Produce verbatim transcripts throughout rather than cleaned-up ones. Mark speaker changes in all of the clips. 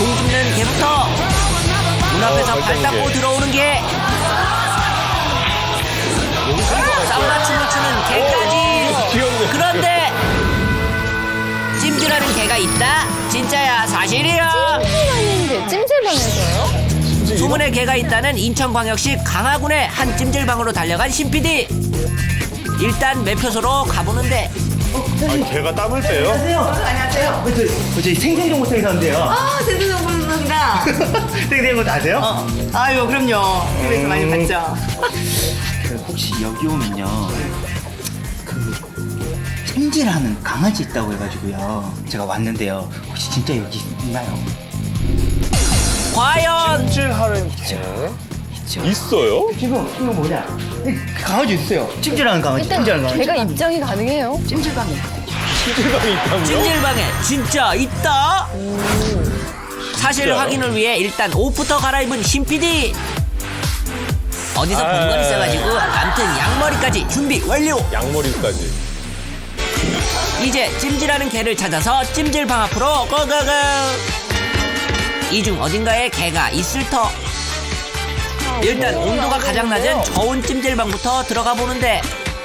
Speaker 1: 공 줍는 개부터 문 앞에서
Speaker 2: 어,
Speaker 1: 발 닦고
Speaker 2: 개.
Speaker 1: 들어오는 개, 사우나 춤을 추는 개까지.
Speaker 2: 귀엽네.
Speaker 1: 그런데 찜질하는 개가 있다? 진짜야, 사실이야?
Speaker 3: 찜질방인데 찜질방에서요?
Speaker 1: 소문의 개가 있다는 인천광역시 강화군의 한 찜질방으로 달려간 신피디. 일단 매표소로 가보는데
Speaker 2: 아니, 걔가 땀을 빼요?
Speaker 4: 안녕하세요. 저, 저, 저희 생생정보센터인데요.
Speaker 3: 아, 제주정보입니다.
Speaker 4: 생생정보 아세요?
Speaker 3: 어, 아유, 그럼요. 티비에서 많이
Speaker 4: 음.
Speaker 3: 봤죠.
Speaker 4: 그 혹시 여기 오면요. 그 찜질하는 강아지 있다고 해가지고요. 제가 왔는데요. 혹시 진짜 여기 있나요?
Speaker 1: 과연
Speaker 2: 찜질하는 개?
Speaker 4: 있죠.
Speaker 2: 있어요?
Speaker 4: 지금 지금 뭐냐? 그 강아지 있어요. 찜질하는 강아지.
Speaker 3: 일단
Speaker 4: 찜질하는 강아지.
Speaker 3: 제가 입장이 가능해요? 찜질방에.
Speaker 2: 찜질방이 있다고요?
Speaker 1: 찜질방에 진짜 있다? 사실
Speaker 2: 진짜요?
Speaker 1: 확인을 위해 일단 옷부터 갈아입은 신피디. 어디서 본 건
Speaker 2: 아.
Speaker 1: 있어가지고 암튼 양머리까지 준비 완료.
Speaker 2: 양머리까지.
Speaker 1: 이제 찜질하는 개를 찾아서 찜질방 앞으로 고고고. 이 중 어딘가에 개가 있을 터. 일단 온도가 가장 낮은 저온 찜질방부터 들어가 보는데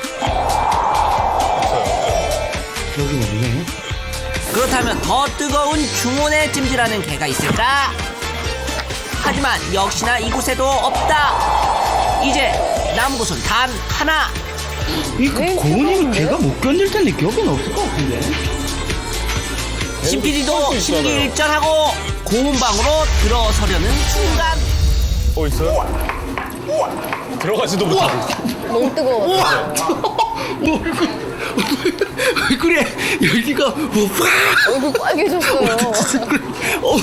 Speaker 4: 여기는 뭐예요?
Speaker 1: 그렇다면 더 뜨거운 중온에 찜질하는 개가 있을까? 하지만 역시나 이곳에도 없다. 이제 남은 곳은 단 하나.
Speaker 4: 이거
Speaker 3: 왜
Speaker 4: 고은이는
Speaker 3: 뜨거운데?
Speaker 4: 걔가 못 견딜 텐데 기억은 없을 것 같은데.
Speaker 1: 신피디도 심기일전하고 고온방으로 들어서려는 순간
Speaker 2: 어, 있어요? 들어가지도 못하고.
Speaker 3: 너무 뜨거워.
Speaker 4: 뭐 그래 열기가 뭐
Speaker 3: 얼굴 빨개졌어요.
Speaker 4: 어,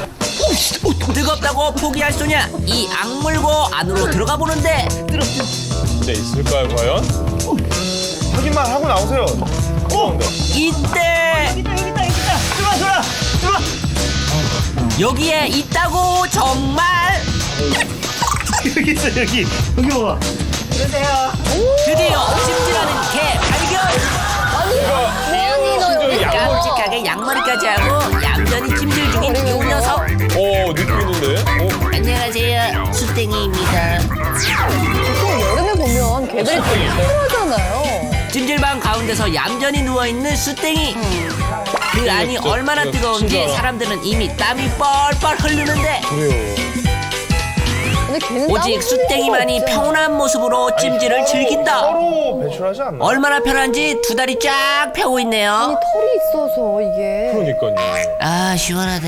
Speaker 1: 뜨겁다고 포기할 소냐? 이 악물고 안으로 들어가 보는데
Speaker 2: 진짜 있을까요, 과연? 확인만 하고 나오세요. 어?
Speaker 1: 이때
Speaker 4: 여기다 여기다 여기다 들어와 들어와 들어와.
Speaker 1: 여기에 있다고 정말.
Speaker 4: 여기 있어 여기 여기 봐봐.
Speaker 1: 드디어 찜질하는 개 발견.
Speaker 3: 아니, 너 여기
Speaker 2: 양머리.
Speaker 1: 깜찍하게 양머리까지 하고 얌전히 찜질 중인 이 녀석.
Speaker 2: 어, 느낌 있는데? 어?
Speaker 1: 안녕하세요, 수땡이입니다.
Speaker 3: 보통 여름에 보면 개들이 되게 힘들어하잖아요.
Speaker 1: 찜질방 가운데서 얌전히 누워있는 수땡이. 그 안이
Speaker 2: 진짜,
Speaker 1: 얼마나
Speaker 2: 진짜,
Speaker 1: 뜨거운지
Speaker 2: 진짜.
Speaker 1: 사람들은 이미 땀이 뻘뻘 흐르는데
Speaker 2: 그래요.
Speaker 3: 근데 걔는
Speaker 1: 오직
Speaker 3: 땀을
Speaker 1: 수땡이만이
Speaker 3: 흘릴 수가 없잖아.
Speaker 1: 평온한 모습으로 찜질을 즐긴다.
Speaker 2: 서로 배출하지 않나?
Speaker 1: 얼마나 편한지 두 다리 쫙 펴고
Speaker 3: 아니,
Speaker 1: 있네요.
Speaker 3: 털이 있어서 이게.
Speaker 2: 그러니까요.
Speaker 1: 아, 시원하다.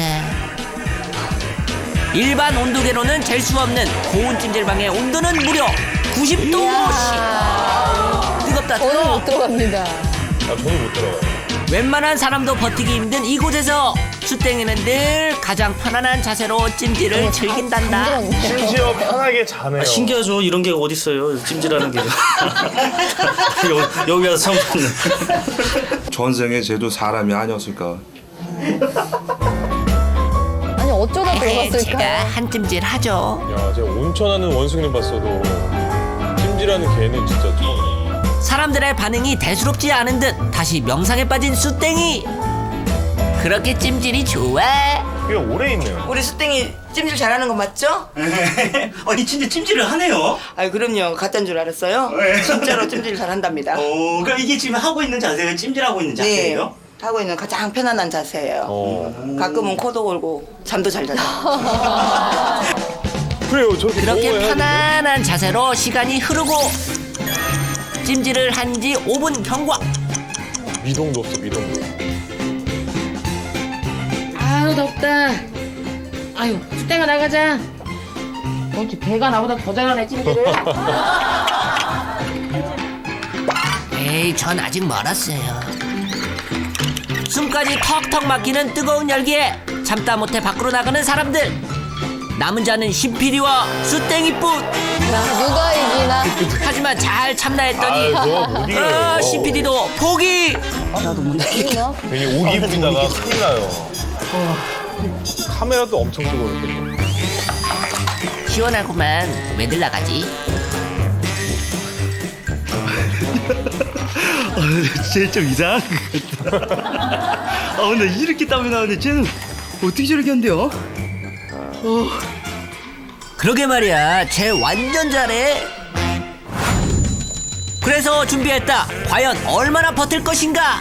Speaker 1: 일반 온도계로는 잴 수 없는 고온 찜질방의 온도는 무려 구십 도. 뜨겁다
Speaker 3: 저는
Speaker 1: 뜨거워.
Speaker 3: 못 들어갑니다.
Speaker 2: 아, 저는 못 들어가요.
Speaker 1: 웬만한 사람도 버티기 힘든 이곳에서 수땡이는 늘 가장 편안한 자세로 찜질을 즐긴단다.
Speaker 3: 힘들었네.
Speaker 2: 심지어 편하게 자네요.
Speaker 5: 아, 신기하죠. 이런 게 어디 있어요? 찜질하는 게. 여기, 여기 와서 처음 봤네.
Speaker 6: 전생에 쟤도 사람이 아니었을까.
Speaker 3: 아니, 어쩌다
Speaker 1: 에이, 제가
Speaker 3: 들어갔을까?
Speaker 1: 한 찜질 하죠.
Speaker 2: 야, 제가 온천하는 원숭이는 봤어도 찜질하는 개는 진짜 처음.
Speaker 1: 사람들의 반응이 대수롭지 않은 듯 다시 명상에 빠진 수땡이. 그렇게 찜질이 좋아.
Speaker 2: 꽤 오래 있네요.
Speaker 7: 우리 수땡이 찜질 잘하는 거 맞죠?
Speaker 4: 아니 진짜 찜질을 하네요.
Speaker 7: 아유 그럼요. 가짜인 줄 알았어요?
Speaker 4: 네.
Speaker 7: 진짜로 찜질 잘한답니다.
Speaker 4: 어 그럼 이게 지금 하고 있는 자세가 찜질하고 있는
Speaker 7: 네.
Speaker 4: 자세예요?
Speaker 7: 하고 있는 가장 편안한 자세예요.
Speaker 2: 어.
Speaker 7: 가끔은 코도 골고 잠도 잘 자죠.
Speaker 2: 그래요. 저렇게
Speaker 1: 그렇게
Speaker 2: 먹어야
Speaker 1: 편안한 자세로 시간이 흐르고 찜질을 한 지 오 분 경과.
Speaker 2: 되는데. 미동도 없어, 미동도.
Speaker 8: 아유 덥다. 아유 수땡아 나가자. 어찌 배가 나보다 더 잘하네 찜질을.
Speaker 1: 에이, 전 아직 멀었어요. 숨까지 턱턱 막히는 뜨거운 열기에 참다 못해 밖으로 나가는 사람들. 남은 자는 신피디와 수땡이뿐.
Speaker 3: 누가 이기나?
Speaker 1: 하지만 잘 참나 했더니
Speaker 2: 아, 저못 이겨요.
Speaker 1: 어, 신피디도 포기.
Speaker 3: 이기나?
Speaker 2: 괜히 오기 부리다가 큰일 나요. 카메라도 엄청 뜨거울 텐데.
Speaker 1: 시원하구만. 왜들 나가지?
Speaker 4: 쟤좀 이상한 것 같다. 아 근데 이렇게 땀이 나는데 쟤는
Speaker 7: 어떻게 저렇게 한대요?
Speaker 1: 그러게 말이야, 쟤 완전 잘해. 그래서 준비했다. 과연 얼마나 버틸 것인가?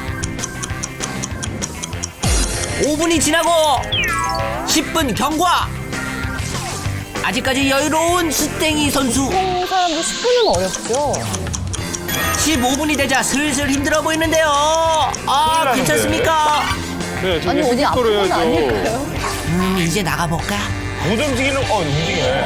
Speaker 1: 오 분이 지나고 십 분 경과. 아직까지 여유로운 수땡이 선수.
Speaker 3: 보통 사람도 십 분은 어렵죠.
Speaker 1: 십오 분이 되자 슬슬 힘들어 보이는데요. 아, 괜찮습니까?
Speaker 2: 네, 저기
Speaker 3: 아니 어디 아픈
Speaker 2: 속도로
Speaker 3: 건
Speaker 2: 해야죠.
Speaker 3: 아닐까요?
Speaker 1: 음, 이제 나가볼까?
Speaker 2: 못 움직이는, 어, 움직이네.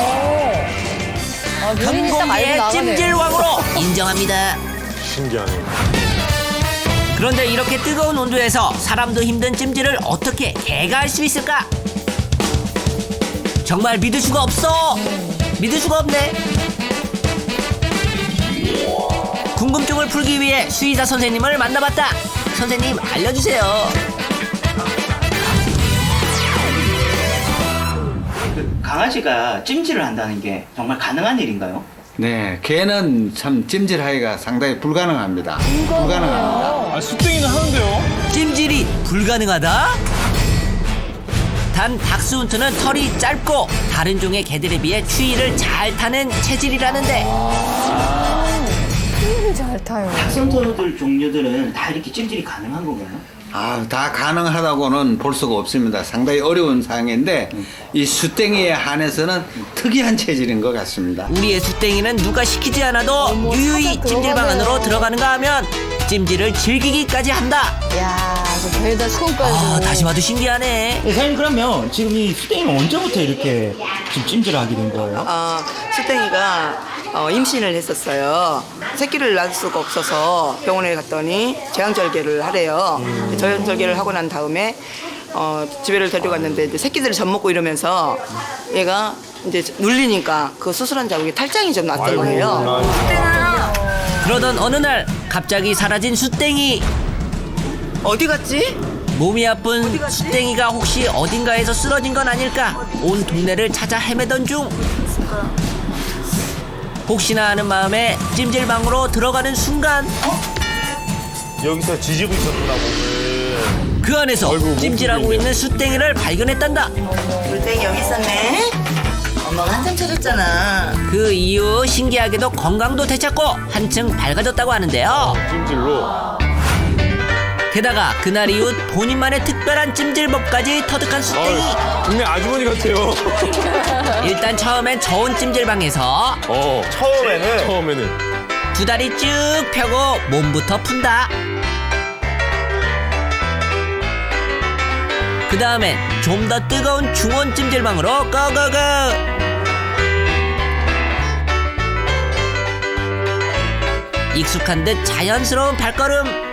Speaker 3: 아, 누린이 딱 알고
Speaker 1: 경공의
Speaker 3: 나가네요.
Speaker 1: 찜질왕으로 인정합니다.
Speaker 2: 신기하네.
Speaker 1: 그런데 이렇게 뜨거운 온도에서 사람도 힘든 찜질을 어떻게 개가 할 수 있을까? 정말 믿을 수가 없어. 믿을 수가 없네. 궁금증을 풀기 위해 수의사 선생님을 만나봤다. 선생님 알려주세요.
Speaker 4: 그 강아지가 찜질을 한다는 게 정말 가능한 일인가요?
Speaker 9: 네, 개는 참 찜질하기가 상당히 불가능합니다. 불가능합니다.
Speaker 2: 아, 수땡이는 하는데요?
Speaker 1: 찜질이 불가능하다? 단 닥스훈트는 털이 짧고 다른 종의 개들에 비해 추위를 잘 타는 체질이라는데
Speaker 3: 힘을 잘 타요.
Speaker 4: 닥스훈터들 종류들은 다 이렇게 찜질이 가능한 건가요?
Speaker 9: 아, 다 가능하다고는 볼 수가 없습니다. 상당히 어려운 상황인데 이 수땡이에 한해서는 특이한 체질인 것 같습니다.
Speaker 1: 우리의 수땡이는 누가 시키지 않아도
Speaker 3: 어머,
Speaker 1: 유유히
Speaker 3: 찾아
Speaker 1: 찜질방
Speaker 3: 들어가네요.
Speaker 1: 안으로 들어가는가 하면 찜질을 즐기기까지 한다.
Speaker 3: 야, 저 배에다 수건까지.
Speaker 1: 아, 다시 봐도 신기하네.
Speaker 4: 사장님 그러면 지금 이 수땡이는 언제부터 이렇게 지금 찜질을 하게 된 거예요?
Speaker 7: 어, 수땡이가 어, 임신을 했었어요. 새끼를 낳을 수가 없어서 병원에 갔더니 제왕절개를 하래요. 제왕절개를 하고 난 다음에 어, 집에를 데려갔는데 이제 새끼들을 젖 먹고 이러면서 얘가 이제 눌리니까 그 수술한 자국에 탈장이 좀 났던 거예요.
Speaker 1: 그러던 어느 날 갑자기 사라진 수땡이.
Speaker 7: 어디 갔지?
Speaker 1: 몸이 아픈
Speaker 7: 어디 갔지?
Speaker 1: 수땡이가 혹시 어딘가에서 쓰러진 건 아닐까? 온 동네를 찾아 헤매던 중 혹시나 하는 마음에 찜질방으로 들어가는 순간
Speaker 2: 여기서 지지고 있었구나, 몸을.
Speaker 1: 그 안에서
Speaker 2: 아이고,
Speaker 1: 찜질하고
Speaker 2: 몸
Speaker 1: 있는 수땡이를 발견했단다.
Speaker 7: 물땡이 여기 있었네. 엄마가 한참 차렸잖아.
Speaker 1: 그 이후 신기하게도 건강도 되찾고 한층 밝아졌다고 하는데요.
Speaker 2: 찜질로.
Speaker 1: 게다가 그날 이후 본인만의 특별한 찜질법까지 터득한 수땡이.
Speaker 2: 아, 동네 아주머니 같아요.
Speaker 1: 일단 처음엔 저온 찜질방에서
Speaker 2: 어. 처음에는? 처음에는.
Speaker 1: 두 다리 쭉 펴고 몸부터 푼다. 그 다음엔 좀 더 뜨거운 중온 찜질방으로 고고고. 익숙한 듯 자연스러운 발걸음.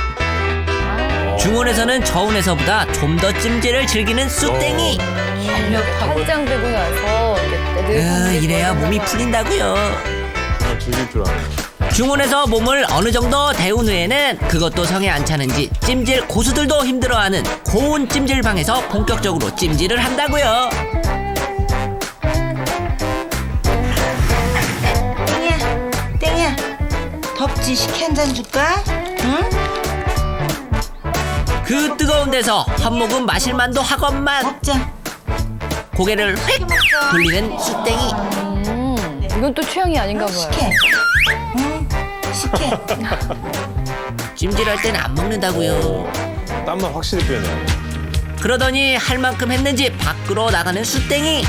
Speaker 1: 중온에서는 저온에서보다 좀 더 찜질을 즐기는 수땡이.
Speaker 3: 팔짱 들고 나서 이렇게
Speaker 1: 으,
Speaker 3: 늘
Speaker 1: 이래야 몸이 풀린다고요.
Speaker 2: 정말 즐길 줄 아네.
Speaker 1: 중온에서 몸을 어느 정도 데운 후에는 그것도 성에 안 차는지 찜질 고수들도 힘들어하는 고온 찜질방에서 본격적으로 찜질을 한다고요.
Speaker 7: 땡이야, 땡이야. 덥지? 식혜 한 잔 줄까? 응?
Speaker 1: 그 뜨거운 데서 한 모금 마실 만도 하건만
Speaker 7: 먹자.
Speaker 1: 고개를 휙 돌리는 수땡이.
Speaker 3: 음, 이건 또 취향이 아닌가 봐요.
Speaker 7: 식혜. 응? 식혜.
Speaker 1: 찜질할 땐 안 먹는다고요.
Speaker 2: 땀만 확실히 빼네.
Speaker 1: 그러더니 할 만큼 했는지 밖으로 나가는 수땡이.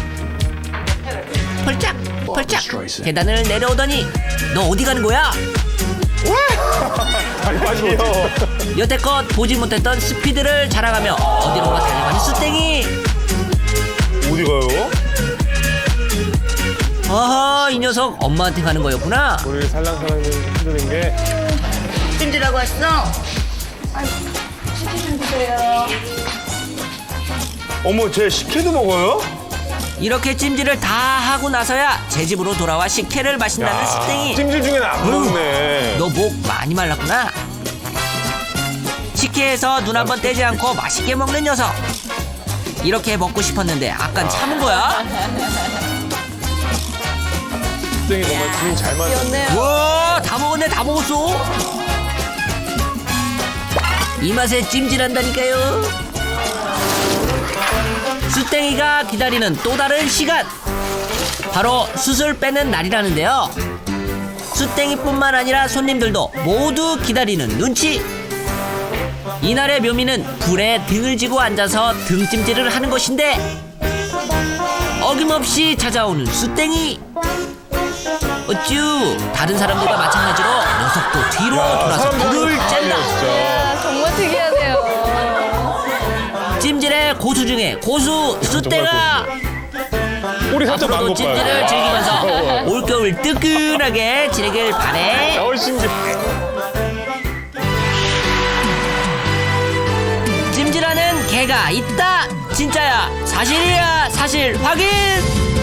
Speaker 1: 펄짝 펄짝 계단을 내려오더니 너 어디 가는 거야?
Speaker 2: 아니, 빠지면 어떡해.
Speaker 1: 여태껏 보지 못했던 스피드를 자랑하며 어디론가 달려가는 수땡이.
Speaker 2: 어디 가요?
Speaker 1: 어허, 이 녀석 엄마한테 가는 거였구나.
Speaker 2: 우리 살랑살랑 흔드는 게.
Speaker 7: 찜질하고 왔어?
Speaker 2: 어머, 쟤 식혜도 먹어요?
Speaker 1: 이렇게 찜질을 다 하고 나서야 제 집으로 돌아와 식혜를 마신다는 수땡이.
Speaker 2: 찜질 중에는 안 먹네.
Speaker 1: 너 목 많이 말랐구나. 식혜에서 눈 한 번 떼지 않고 맛있게 먹는 녀석. 이렇게 먹고 싶었는데 아깐 참은 거야?
Speaker 2: 수땡이 정말 주인 잘 맞네.
Speaker 3: 귀엽네요.
Speaker 1: 와, 다 먹었네, 다 먹었어. 이 맛에 찜질한다니까요. 수땡이가 기다리는 또 다른 시간. 바로 숯을 빼는 날이라는데요. 수땡이뿐만 아니라 손님들도 모두 기다리는 눈치. 이날의 묘미는 불에 등을 지고 앉아서 등찜질을 하는 것인데 어김없이 찾아오는 수땡이. 어쭈, 다른 사람들과 마찬가지로 녀석도 뒤로 돌아서 불을 쬐다.
Speaker 3: 아, 정말 특이하네요.
Speaker 1: 찜질의 고수 중에 고수 수땡아.
Speaker 2: 꼬리 살짝
Speaker 1: 앞으로도
Speaker 2: 난것
Speaker 1: 찜질을
Speaker 2: 봐요.
Speaker 1: 즐기면서 올겨울 뜨끈하게 지내길 바래.
Speaker 2: 어, 신기해.
Speaker 1: 찜질하는 개가 있다. 진짜야, 사실이야, 사실 확인.